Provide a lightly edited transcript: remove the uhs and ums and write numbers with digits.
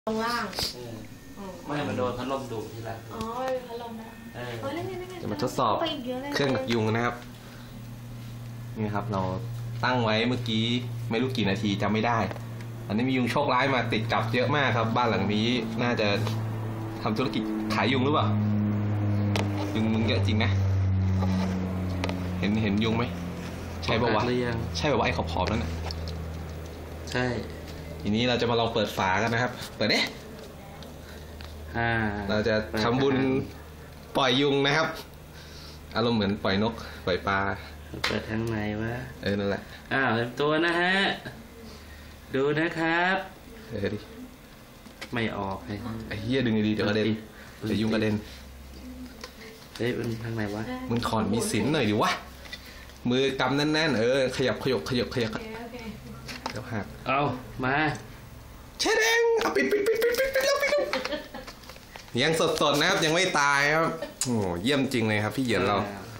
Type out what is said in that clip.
ลงล่างไม่มันโดนพัดลมดูดทีละอ๋อพัดลมนะจะมาทดสอบเครื่องดักยุงนะครับนี่ครับเราตั้งไว้เมื่อกี้ไม่รู้กี่นาทีจำไม่ได้อันนี้มียุงโชคร้ายมาติดกับเยอะมากครับบ้านหลังนี้น่าจะทำธุรกิจขายยุงหรือเปล่ายุงเยอะจริงนะเห็นยุงไหมใช่ป่าวะใช่ป่าวะไอ้ขอบนั่นน่ะใช่ทีนี้เราจะมาลองเปิดฝากันนะครับเปิดเด้เราจะทำบุญปล่อยยุงนะครับอารมณ์เหมือนปล่อยนกปล่อยปลาเปิดทางไหนวะนั่นแหละเต็มตัวนะฮะดูนะครับดิไม่ออกไอ้เหี้ยดึงดีๆเดี๋ยวกระเด็นเดี๋ยวยุงกระเด็นมันทางไหนวะมึงถอนมีสินหน่อยดิวะมือกำแน่นๆขยับเดี๋ยวหักเอามาเชดเองเอาปิดแล้วยังสดๆนะครับยังไม่ตายครับโอ้เยี่ยมจริงเลยครับพี่เหยียนเรา